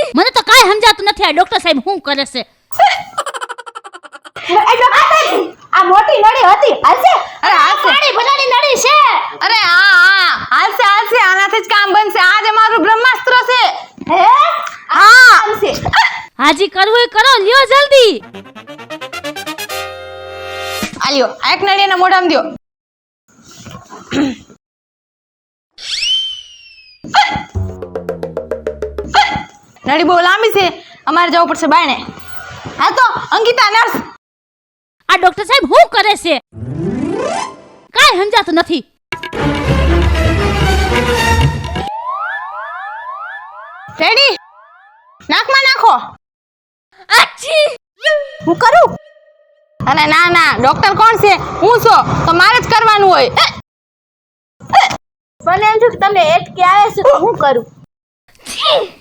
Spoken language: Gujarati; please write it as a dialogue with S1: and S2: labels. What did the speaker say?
S1: મને તો કાઈ સમજાતું નથી આ ડોક્ટર સાહેબ શું કરે છે.
S2: આ મોટી નળી હતી હાલશે.
S3: અરે હાલશે.
S2: પાણી ભરાની નળી છે.
S3: અરે હા હાલશે આનાથી જ કામ બનશે. આ જ અમારું બ્રહ્માસ્ત્ર છે.
S2: હે
S3: હા
S2: હાલશે.
S1: હાજી કરવું એ કરો, લ્યો જલ્દી.
S3: આલ્યો આ એક નળી એના મોઢામાં દ્યો. નળી બહુ લાંબી છે, અમારે જવું પડશે બાયણે. હા તો અંકિતા નર્સ.
S1: આ ડોક્ટર સાહેબ શું કરે છે? કાઈ સમજાતું નથી.
S3: રેડી? નાકમાં નાખો.
S1: આછી
S2: હું કરું?
S3: અરે ના ડોક્ટર કોણ છે? હું છો તો મારે જ કરવાનું હોય.
S2: મને એમ થયું કે તમને એટકે આવે છે તો હું કરું.